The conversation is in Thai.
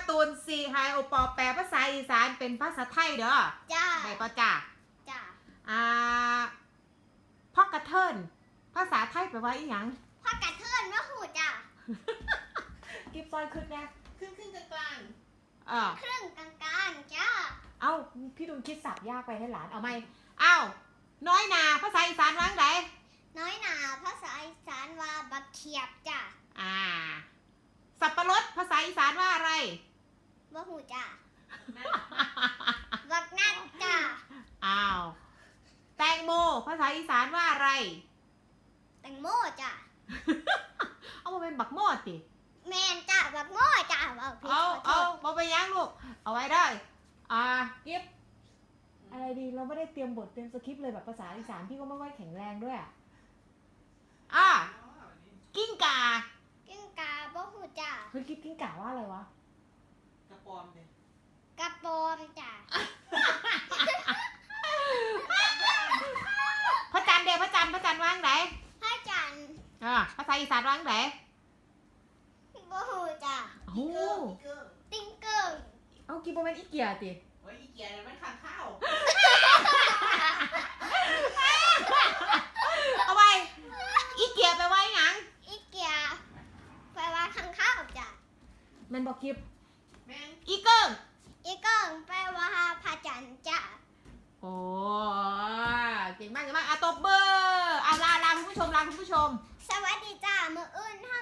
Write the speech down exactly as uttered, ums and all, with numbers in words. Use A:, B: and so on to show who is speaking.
A: การ์ตูนซีไฮโอปอแปลภาษาอีสานเป็นภาษาไทยเด้อ
B: จ้า
A: ได้ปะจ้า
B: จ้า
A: อ่าพ่อกระเทินภาษาไทยแปลว่าอีหยัง
B: พ่อกระเทินว่าหูจ้า
A: กิฟซอยขึ้นแน่
C: ครึ่งครึ่งกลาง
A: เออ
B: ครึ่งกลางๆจ้า
A: เอ้าพี่ดุลคิดสับยากไปให้หลานเอาไหมเอ้าน้อยนาภาษาอีสานว่าไง
B: น้อยหนาภาษาอีสานว่าบักเขียบจ้า
A: อ่าสับปะรดภาษาอีสานว่าอะไร
B: ว่าหูจ้าบักนัดจ้า
A: อ้าวแตงโมภาษาอีสานว่าอะไร
B: แตงโมจ้า
A: เอามาเป็นบักโมดสิ
B: แมนจ้าบักโมจ้าเอา
A: เอาเอาเอาไปย่างลูกเอาไว้ได้อ่ากิฟอะไรดีเราไม่ได้เตรียมบทเตรียมสคริปต์เลยแบบภาษาอีสานพี่ก็ไม่ค่อยแข็งแรงด้วยอ่ะอ่ะกิ้งก่า
B: กิ้งกาบ่หูจ้า
A: เฮ้ยกิฟกิ้งก่าว่าอะไรวะ
C: กระปอมเนี่ย
B: กระปอมจ้า
A: พระจันทร์เดียวพระจันทร์พระจันทร์ว่างไหน
B: พระจันทร์
A: อ่าภาษาอีสานว่างไหน
B: บ่หูจ้า
A: โอ้
B: ติ้งเกิง
A: เอากิฟเป็นอีเกียติ
C: โอ้ยอีเกียร์มันขันข้าว
A: เอาไว้อีเกียไปไว้หยัง
B: อีเกียแปลว่าข้างข้าวจ้ะ
A: แมนบอกกิฟ
C: แม่ง
A: อีเกิง
B: อีเกิงแปลว่าพระจันทร์จ้ะ
A: โอ้เก่งมากเก่งมากอ่ะตบเบอร์อ่ะลาลาคุณผู้ชมลาคุณผู้ชม
B: สวัสดีจ้ามื้ออื่นเฮ